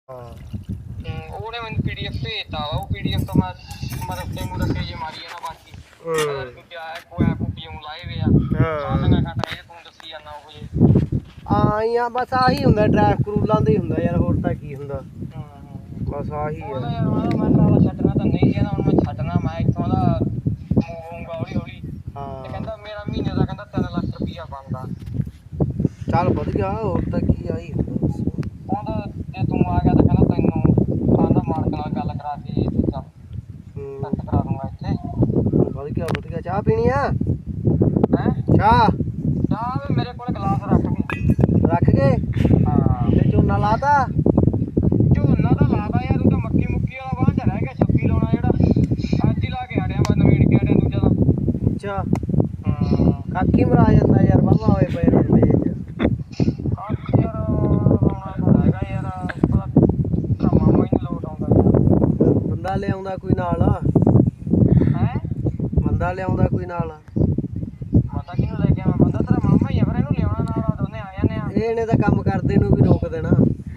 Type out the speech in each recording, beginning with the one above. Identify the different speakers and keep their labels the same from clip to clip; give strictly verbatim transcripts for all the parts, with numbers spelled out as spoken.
Speaker 1: ਹਾਂ
Speaker 2: ਉਹਨੇ ਮੈਨੂੰ ਪੀਡੀਐਫ ਭੇਜਤਾ ਵਾ ਉਹ ਪੀਡੀਐਫ ਤੋਂ ਮੈਂ ਮਤਲਬ ਤੇ ਮੁਰਕੇ ਜੇ ਮਾਰੀ ਆ ਨਾ ਬਾਕੀ ਅਗਰ ਤੂੰ ਕਿਹਾ ਕੋਈ ਐਪ ਪੀਉਂ ਲਾਏ ਵੇ ਆ ਸਾਡੀਆਂ ਘਟਾ ਇਹ ਤੂੰ ਦੱਸੀ ਜਾਂਦਾ ਉਹ ਜੇ
Speaker 1: ਆਈਆਂ ਬਸ ਆਹੀ ਹੁੰਦਾ ਟ੍ਰੈਫਿਕ ਰੂਲਾਂ ਦਾ ਹੀ ਹੁੰਦਾ ਯਾਰ ਹੋਰ ਤਾਂ ਕੀ ਹੁੰਦਾ ਬਸ ਆਹੀ
Speaker 2: ਉਹਦਾ ਯਾਰ ਮੈਂ ਸਾਲਾ ਛੱਡਣਾ ਤਾਂ ਨਹੀਂ ਕਹਿੰਦਾ ਹੁਣ ਮੈਂ ਛੱਡਣਾ ਮੈਂ ਇੱਥੋਂ ਦਾ ਮੂੰਗਾ ਹੌਲੀ ਹੌਲੀ ਤੇ ਕਹਿੰਦਾ ਮੇਰਾ ਮਹੀਨੇ ਦਾ ਕਹਿੰਦਾ ਤਿੰਨ ਲੱਖ ਰੁਪਈਆ ਬਣਦਾ
Speaker 1: ਚੱਲ ਵਧੀਆ ਹੋਰ ਤਾਂ ਕੀ ਆਹੀ ਹੁੰਦਾ
Speaker 2: ਕਹਿੰਦਾ ਜੇ ਤੂੰ ਆ ਗਿਆ ਤਾਂ ਕਹਿੰਦਾ ਤੈਨੂੰ ਆਂਦਾ ਮਾਲਕ ਨਾਲ ਗੱਲ ਕਰਾ ਕੇ ਦੂਜਾ ਸੈੱਟ ਕਰਾ ਦੂੰਗਾ ਇੱਥੇ
Speaker 1: ਵਧੀਆ ਵਧੀਆ ਚਾਹ ਪੀਣੀ ਆ
Speaker 2: ਹੈਂ
Speaker 1: ਚਾਹ
Speaker 2: ਚਾਹ ਵੀ ਮੇਰੇ ਕੋਲ ਗਲਾਸ ਰੱਖ ਕੇ
Speaker 1: ਰੱਖ ਕੇ
Speaker 2: ਹਾਂ
Speaker 1: ਤੇ ਝੋਨਾ ਲਾਤਾ
Speaker 2: ਝੋਨਾ ਤਾਂ ਲਾਦਾ ਯਾਰ ਤੂੰ ਤਾਂ ਮੱਕੀ ਮੁੱਕੀ ਵਾਲਾ ਵਾਂ ਚ ਰਹਿ ਗਿਆ ਛੱਬੀ ਲਾਉਣਾ ਜਿਹੜਾ ਅੱਜ ਹੀ ਲਾ ਕੇ ਹਟਿਆ ਮੈਂ ਨਵੇੜ ਕੇ ਹਟਿਆ ਦੂਜਾ ਦਾ
Speaker 1: ਅੱਛਾ
Speaker 2: ਹਾਂ
Speaker 1: ਕਾਕੀ ਮਰਾ ਜਾਂਦਾ ਯਾਰ ਵਾਵਾ ਹੋਏ ਪਏ ਰੋਡੇ ਚ
Speaker 2: ਕਾਕੀ ਯਾਰ ਲਾਉਣਾ ਤਾਂ ਹੈਗਾ ਯਾਰ ਉਹਦਾ ਮਾਮਾ ਹੀ ਨੀ ਲੋਟ ਆਉਂਦਾ
Speaker 1: ਬੰਦਾ ਲਿਆਉਂਦਾ ਕੋਈ ਨਾਲ
Speaker 2: ਹੈ
Speaker 1: ਬੰਦਾ ਲਿਆਉਂਦਾ ਕੋਈ ਨਾਲ
Speaker 2: ਪਤਾ ਕਿਹਨੂੰ ਲੈ ਕੇ ਆਵਾਂ ਬੰਦਾ ਤੇਰਾ ਮਾਮਾ ਹੀ ਆ ਫਿਰ ਇਹਨੂੰ ਲਿਆਉਣਾ ਨਾਲ ਦੋਨੇ ਆ ਜਾਂਦੇ ਆ
Speaker 1: ਇਹਨੇ ਤਾਂ ਕੰਮ ਕਰਦੇ ਨੂੰ ਵੀ ਰੋਕ ਦੇਣਾ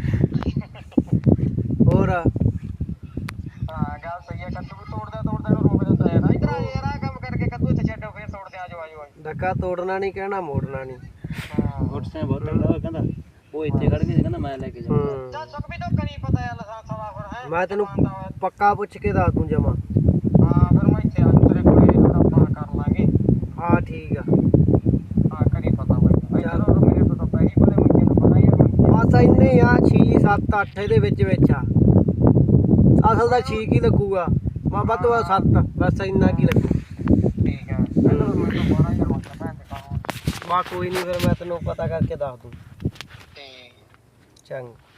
Speaker 1: ਹੋਰ
Speaker 2: ਹਾਂ ਗੱਲ ਸਹੀ ਹੈ ਕੱਦੂ ਵੀ ਤੋੜਦਾ ਤੋੜਦਾ ਇਹਨੂੰ ਰੋਕ ਦਿੰਦਾ ਯਾਰ ਇਧਰ ਯਾਰ ਆ ਕੰਮ ਕਰਕੇ ਕੱਦੂ ਇੱਥੇ ਛੱਡੋ ਫਿਰ ਤੋੜਦੇ ਆਜੋ ਆਜੋ ਆਜੋ
Speaker 1: ਡੱਕਾ ਤੋੜਨਾ ਨਹੀਂ ਕਹਿਣਾ ਮੋੜਨਾ ਨਹੀਂ
Speaker 2: ਹਾਂ
Speaker 3: ਮੋਟਰਸਾਈਕਲ ਬਹੁਤ ਤਗੜਾ ਕਹਿੰਦਾ ਉਹ ਇੱਥੇ ਖੜ ਕੇ ਕਹਿੰਦਾ ਮੈਂ ਲੈ ਕੇ ਜਾਊਂਗਾ
Speaker 2: ਚੱਲ ਸੁੱਕ ਵੀ ਧੋਖਾ ਨਹੀਂ ਪਤਾ ਯਾਰ ਲਾਇਸੈਂਸ ਵਾਲਾ ਫਿਰ ਹੈ
Speaker 1: ਮੈਂ ਤੈਨੂੰ ਪੱਕਾ ਪੁੱਛ ਕੇ ਦੱਸ ਦੂੰ ਜਮਾ
Speaker 2: ਹਾਂ ਫਿਰ ਮੈਂ ਇੱਥੇ ਆ ਜਾਊਂ ਤੇਰੇ ਕੋਲੇ ਫਿਰ ਆਪਾਂ ਕਰ ਲਾਂਗੇ
Speaker 1: ਹਾਂ ਠੀਕ ਆ
Speaker 2: ਹਾਂ ਕਰੀ ਪਤਾ ਬਾਈ ਯਾਰ ਮੇਰੇ ਤੋਂ ਤਾਂ ਪੈਸੇ ਬੜੇ ਮੰਗੇ ਨੂੰ ਪਤਾ ਯਾਰ
Speaker 1: ਬਸ ਇੰਨੇ ਆ ਛੇ ਸੱਤ ਅੱਠ ਇਹਦੇ ਵਿੱਚ ਵਿੱਚ ਆ ਅਸਲ ਦਾ ਛੇ ਕੀ ਲੱਗੂਗਾ ਮੈਂ ਵੱਧ ਤੋਂ ਵੱਧ ਸੱਤ ਬਸ ਇੰਨਾ ਕੀ ਲੱਗੂ
Speaker 2: ਠੀਕ ਹੈ ਪਹਿਲਾਂ ਮੈਂ ਤਾਂ ਬਾਰਾਂ ਹਜ਼ਾਰ ਮੰਗਦਾ ਭੈਣ ਦੇ ਕੰਮ
Speaker 1: ਬਾ ਕੋਈ ਨਹੀਂ ਫਿਰ ਮੈਂ ਤੈਨੂੰ ਪਤਾ ਕਰਕੇ ਦੱਸ ਦੂੰ
Speaker 2: ਤੇ
Speaker 1: ਚੰਗਾ